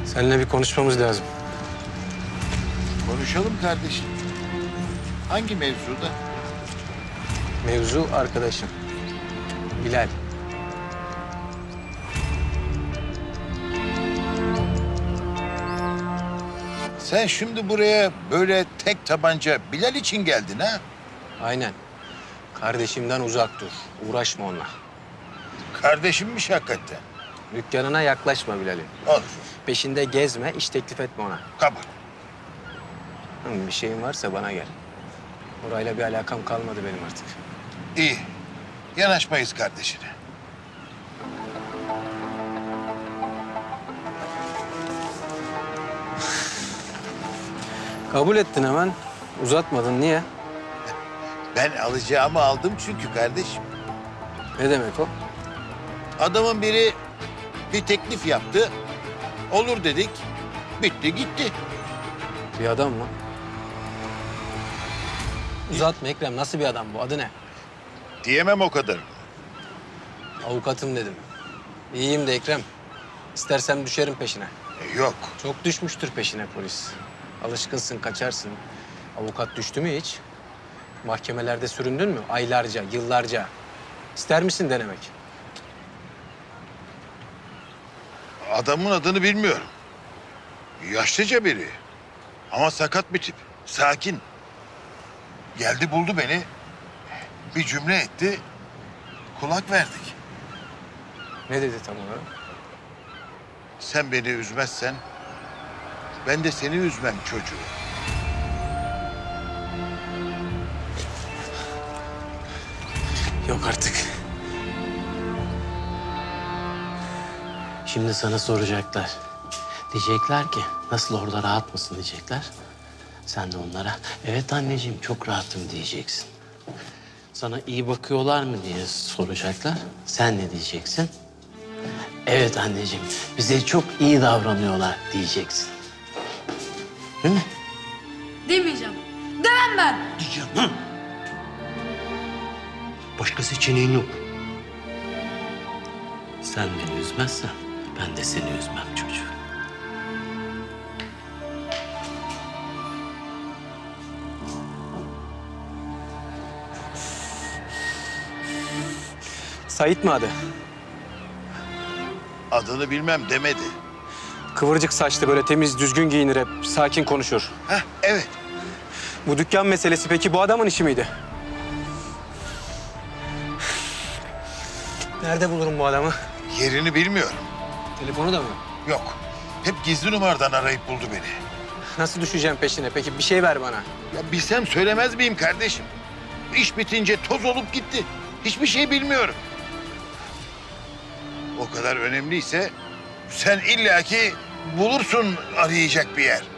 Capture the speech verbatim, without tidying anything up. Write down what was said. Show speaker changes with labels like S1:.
S1: Seninle bir konuşmamız lazım.
S2: Konuşalım kardeşim. Hangi mevzuda?
S1: Mevzu arkadaşım. Bilal.
S2: Sen şimdi buraya böyle tek tabanca Bilal için geldin ha?
S1: Aynen. Kardeşimden uzak dur. Uğraşma onunla.
S2: Kardeşimmiş hakikaten.
S1: Dükkanına yaklaşma Bilal'in.
S2: Olur.
S1: Peşinde gezme, iş teklif etme ona.
S2: Kabul.
S1: Hı, bir şeyin varsa bana gel. Orayla bir alakam kalmadı benim artık.
S2: İyi. Yanaşmayız kardeşine.
S1: Kabul ettin hemen. Uzatmadın. Niye?
S2: Ben alacağımı aldım çünkü kardeşim.
S1: Ne demek o?
S2: Adamın biri bir teklif yaptı. Olur dedik. Bitti gitti.
S1: Bir adam mı? Uzatma Ekrem. Nasıl bir adam bu? Adı ne?
S2: Diyemem o kadar.
S1: Avukatım dedim. İyiyim de Ekrem. İstersem düşerim peşine.
S2: E, yok.
S1: Çok düşmüştür peşine polis. Alışkınsın, kaçarsın. Avukat düştü mü hiç? Mahkemelerde süründün mü? Aylarca, yıllarca. İster misin denemek?
S2: Adamın adını bilmiyorum. Yaşlıca biri. Ama sakat bir tip. Sakin. Geldi buldu beni. Bir cümle etti. Kulak verdik.
S1: Ne dedi tam olarak?
S2: Sen beni üzmezsen ben de seni üzmem çocuğu.
S1: Yok artık.
S3: Şimdi sana soracaklar. Diyecekler ki nasıl orada rahat mısın diyecekler. Sen de onlara evet anneciğim çok rahatım diyeceksin. Sana iyi bakıyorlar mı diye soracaklar. Sen ne diyeceksin? Evet anneciğim bize çok iyi davranıyorlar diyeceksin. Değil mi?
S4: Demeyeceğim. Demem ben.
S3: Diyeceğim ha. Başka seçeneğin yok. Sen beni üzmezsen ben de seni üzmem çocuğum.
S1: Sait mi adı?
S2: Adını bilmem demedi.
S1: Kıvırcık saçlı, böyle temiz, düzgün giyinir hep. Sakin konuşur.
S2: Heh, evet.
S1: Bu dükkan meselesi peki bu adamın işi miydi? Nerede bulurum bu adamı?
S2: Yerini bilmiyorum.
S1: Telefonu da mı?
S2: Yok. Hep gizli numaradan arayıp buldu beni.
S1: Nasıl düşeceğim peşine? Peki bir şey ver bana.
S2: Ya bilsem söylemez miyim kardeşim? İş bitince toz olup gitti. Hiçbir şey bilmiyorum. O kadar önemliyse sen illaki bulursun arayacak bir yer.